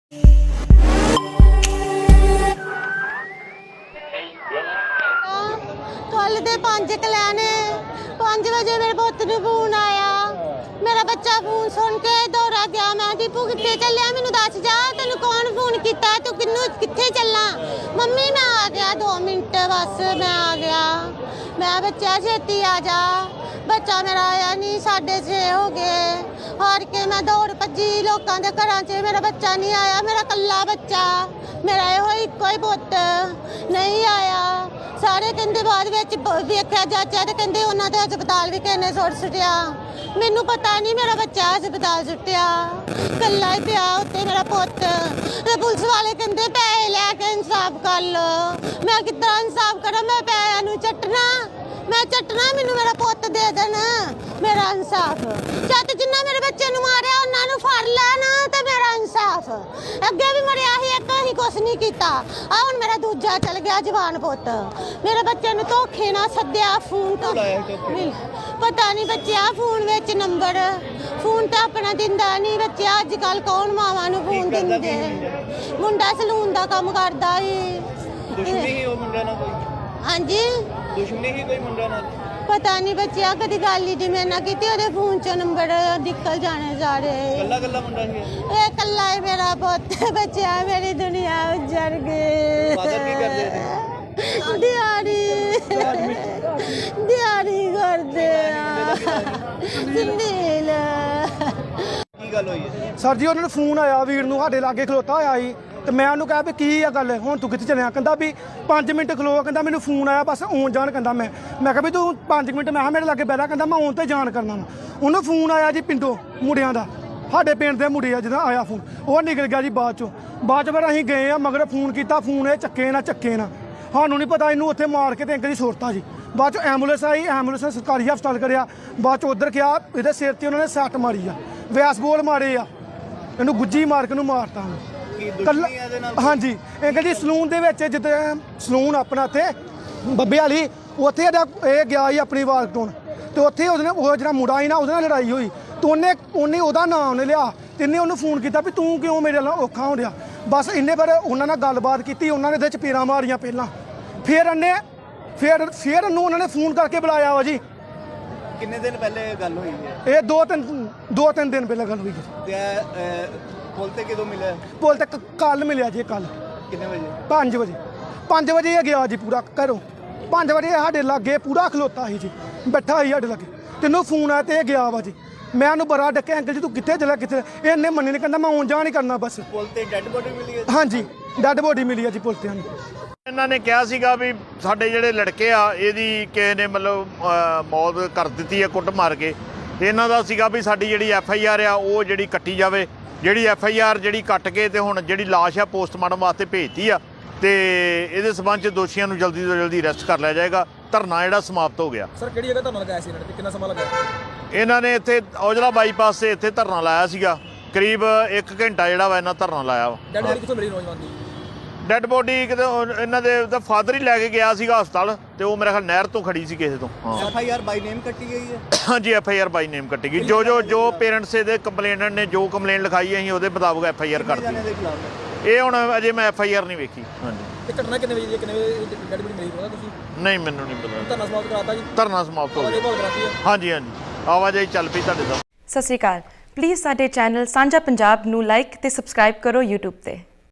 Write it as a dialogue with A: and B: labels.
A: कल दे 5 कलैने 5 बजे मेरे पुत्त नूं फोन आया। मेरा बच्चा फोन सुन के दौड़ा गया। मैं दीपू कित्थे चलिया, मैनू दस जा तेनू कौन फोन किया, तू कित्थे चलना। मम्मी मैं आ गया 2 मिनट बस मैं आ गया। मैं बच्चा छेती आ जा। बच्चा मेरा आया नहीं, 6:30 हो गए। हार के मैं दौड़ भजी लोगों के घर च, मेरा बच्चा नहीं आया। मेरा कल्ला बच्चा, मेरा यो इको ही पुत्त नहीं आया। सारे कहते बाद वेख्या जाचा तो कहते उन्होंने हस्पताल भी किसी सुट सुटिया। मैनू पता नहीं मेरा बच्चा हस्पताल सुटिया, कला ही पिया उत्ते मेरा पुत्त। पुलिस वाले कहते पैसे लैके इंसाफ कर लो। मैं कितना इंसाफ करा, मैं पैसों नूं चटना, मैं चटना, मैनू मेरा पुत्त दे देना, मेरा इंसाफ। जद जिन्ना मेरे बच्चे नूं मारिया उन्होंने फड़ लैन तो मेरा इंसाफ। अगे भी मरिया ही एक, असीं कुछ नहीं किया। हुण मेरा दूजा चल गया जवान पुत्त। मेरे बच्चे नूं धोखे नाल सद्दिया फोन तो पता नहीं बच्चा फोन विच नंबर, फोन तो अपना दिंदा नहीं बच्चा। अजकल कौन मावां नूं फोन दिंदे। मुंडा सलून दा काम करदा ही। हाँ जी
B: दुश्मनी ही कोई मुंडा नाल
A: पता नहीं बच्चा, कदी गल ही मेरे नाल कीती। ओहदे फोन चों नंबर निकल जाने सारे।
B: कल्ला कल्ला मुंडा ही
A: ए कल्ला ही मेरा पुत्त। बच्चा मेरी दुनिया उजड़ गई।
B: फादर की करदे थे?
A: दिहाड़ी करदे सुनील।
B: की गल होई है
C: सर जी? उन्होंने फोन आया वीर नूं, साडे लागे खलोता होया ही ਤੇ ਮੈਂ ਉਹਨੂੰ ਕਿਹਾ ਵੀ ਕੀ ਆ ਗੱਲ, ਹੁਣ ਤੂੰ ਕਿੱਥੇ ਚੱਲਿਆ? ਕਹਿੰਦਾ ਵੀ 5 ਮਿੰਟ ਖਲੋ। ਕਹਿੰਦਾ ਮੈਨੂੰ ਫੋਨ ਆਇਆ ਬਸ ਆਉਣ ਜਾਣ। ਕਹਿੰਦਾ ਮੈਂ ਕਿਹਾ ਵੀ ਤੂੰ 5 ਮਿੰਟ, ਮੈਂ ਕਿਹਾ ਮੇਰੇ ਲਾਗੇ ਬਹਿ। ਕਹਿੰਦਾ ਮੈਂ ਆਉਣ ਤੇ ਜਾਣ ਕਰਨਾ ਵਾ। ਉਹਨੂੰ ਫੋਨ ਆਇਆ ਜੀ ਪਿੰਡੋਂ ਮੁੰਡਿਆਂ ਦਾ, ਸਾਡੇ ਪਿੰਡ ਦੇ ਮੁੰਡੇ ਆ, ਜਦੋਂ ਆਇਆ ਫੋਨ ਉਹ ਨਿਕਲ ਗਿਆ ਜੀ ਬਾਅਦ ਚੋਂ ਫਿਰ ਅਸੀਂ ਗਏ ਆ ਮਗਰ ਫੋਨ ਕੀਤਾ, ਫੋਨ ਇਹ ਚੱਕੇ ਨਾ ਸਾਨੂੰ ਨਹੀਂ ਪਤਾ। ਇਹਨੂੰ ਉੱਥੇ ਮਾਰ ਕੇ ਤੇ ਅੰਕਲ ਦੀ ਸੁਰਤਾ ਜੀ। ਬਾਅਦ ਚੋਂ ਐਂਬੂਲੈਂਸ ਆਈ, ਐਂਬੂਲੈਂਸ ਸਰਕਾਰੀ ਹਸਪਤਾਲ ਕਰਿਆ। ਬਾਅਦ ਚੋਂ ਉੱਧਰ ਗਿਆ, ਇਹਦੇ ਸਿਰ ਤੇ ਉਹਨਾਂ ਨੇ ਸੱਟ ਮਾਰੀ ਆ, ਵਿਆਸ ਬੋਲ ਮਾਰੇ ਆ, ਇਹਨੂੰ ਗੁੱਜੀ ਮਾਰ ਕੇ ਉਹਨੂੰ ਮਾਰਤਾ। हाँ जी अंकल जी सलून दे विच जिद्दां सलून अपना इत्थे बब्बे वाली, उत्थे ये गया ही अपनी वार टोन ते उत्थे उसने वो जिहड़ा मुंडा ही ना उसदे नाल लड़ाई होई ते उन्हें ओहदा नाम उन्हें लिया ते इन्हें उन्हें फोन किया भी तू क्यों मेरे नाल औखा हो रहा। बस इन्हें फिर उन्होंने गलबात की, उन्होंने इहदे चपेड़ां मारियां पहलां, फिर उन्होंने फोन करके बुलाया वा जी।
B: किन्ने दिन पहले गल हुई है?
C: ये 2-3 दिन पहले गल हुई है।
B: पुल ते कदों मिले?
C: पुल ते कल मिले जी, कल
B: कितने बजे?
C: 5 वजे ये गया जी पूरा घरों। 5 वजे साढ़े लागे पूरा खलोता ही जी, बैठा ही साढ़े लागे। तेनों फोन आया तो ये गया वा जी। मैं उन्होंने बड़ा डके, अंकल जी तू कितने चला कितने? इन्हें मन्नी नहीं, कहता मैं आउन जान ही करना बस।
B: पुल ते डेड बॉडी मिली है?
C: हाँ जी डेड बॉडी मिली है जी पुल ते।
D: ਇਹਨਾਂ ਨੇ ਕਿਹਾ ਸੀਗਾ ਵੀ ਸਾਡੇ ਜਿਹੜੇ ਲੜਕੇ ਆ ਇਹਦੀ ਕਿਸੇ ਨੇ ਮਤਲਬ ਮੌਤ ਕਰ ਦਿੱਤੀ ਹੈ ਕੁੱਟ ਮਾਰ ਕੇ, ਤੇ ਇਹਨਾਂ ਦਾ ਸੀਗਾ ਵੀ ਸਾਡੀ ਜਿਹੜੀ FIR ਆ ਉਹ ਜਿਹੜੀ ਕੱਟੀ ਜਾਵੇ। ਜਿਹੜੀ FIR ਜਿਹੜੀ ਕੱਟ ਕੇ ਤੇ ਹੁਣ ਜਿਹੜੀ ਲਾਸ਼ ਆ ਪੋਸਟਮਾਰਟਮ ਵਾਸਤੇ ਭੇਜਤੀ ਆ, ਤੇ ਇਹਦੇ ਸਬੰਧ 'ਚ ਦੋਸ਼ੀਆਂ ਨੂੰ ਜਲਦੀ ਤੋਂ ਜਲਦੀ ਅਰੈਸਟ ਕਰ ਲਿਆ ਜਾਏਗਾ। ਧਰਨਾ ਜਿਹੜਾ ਸਮਾਪਤ ਹੋ ਗਿਆ।
B: ਸਰ ਕਿਹੜੀ ਜਗ੍ਹਾ ਧਰਨਾ ਲਗਾਇਆ ਸੀ ਇਹਨਾਂ ਨੇ, ਕਿੰਨਾ ਸਮਾਂ ਲਗਾਇਆ?
D: ਇਹਨਾਂ ਨੇ ਇੱਥੇ ਔਜਲਾ ਬਾਈਪਾਸ ਤੇ ਇੱਥੇ ਧਰਨਾ ਲਾਇਆ ਸੀਗਾ, ਕਰੀਬ 1 ਘੰਟਾ ਜਿਹੜਾ ਵਾ ਇਹਨਾਂ ਧਰਨਾ ਲਾਇਆ ਵਾ।
B: ਡੈਡ ਬੋਡੀ ਕਿੱਥੋਂ ਮਿਲੀ ਨੌਜਵਾਨ ਦੀ?
D: ਡੈਡ ਬੋਡੀ ਕਿਤੇ ਇਹਨਾਂ ਦੇ ਦਾ ਫਾਦਰ ਹੀ ਲੈ ਕੇ ਗਿਆ ਸੀਗਾ ਹਸਪਤਾਲ, ਤੇ ਉਹ ਮੇਰੇ ਖਿਆਲ ਨਹਿਰ ਤੋਂ ਖੜੀ ਸੀ ਕਿਸੇ ਤੋਂ। ਹਾਂ
B: FIR ਬਾਈ ਨੇਮ ਕੱਟੀ ਗਈ ਹੈ?
D: ਹਾਂਜੀ FIR ਬਾਈ ਨੇਮ ਕੱਟੀ ਗਈ। ਜੋ ਪੇਰੈਂਟਸ ਦੇ ਕੰਪਲੇਨਟ ਨੇ ਜੋ ਕੰਪਲੇਂਟ ਲਿਖਾਈ ਅਸੀਂ ਉਹਦੇ ਮੁਤਾਬਕ FIR ਕਰ ਦਿੱਤੀ। ਇਹ ਹੁਣ ਅਜੇ ਮੈਂ FIR ਨਹੀਂ ਵੇਖੀ। ਹਾਂਜੀ
B: ਤੇ ਘਟਨਾ ਕਿੰਨੇ ਵਜੇ ਦੀ, ਕਿੰਨੇ ਵਜੇ ਡੈਡ ਬੋਡੀ ਮਿਲੀ ਪਤਾ ਤੁਸੀਂ?
D: ਨਹੀਂ ਮੈਨੂੰ ਨਹੀਂ ਪਤਾ।
B: ਧਰਨਾ ਸਮਾਪਤ ਕਰਾਤਾ ਜੀ?
D: ਧਰਨਾ ਸਮਾਪਤ ਹੋ ਗਿਆ। ਹਾਂਜੀ ਆਵਾਜਾਈ ਚੱਲ ਪਈ ਤੁਹਾਡੇ ਦਾ।
E: ਸਤਿ ਸ਼੍ਰੀ ਅਕਾਲ। ਪਲੀਜ਼ ਸਾਡੇ ਚੈਨਲ ਸਾਂਝਾ ਪੰਜਾਬ ਨੂੰ ਲਾਈਕ ਤੇ ਸਬਸਕ੍ਰਾਈਬ ਕਰੋ YouTube ਤੇ।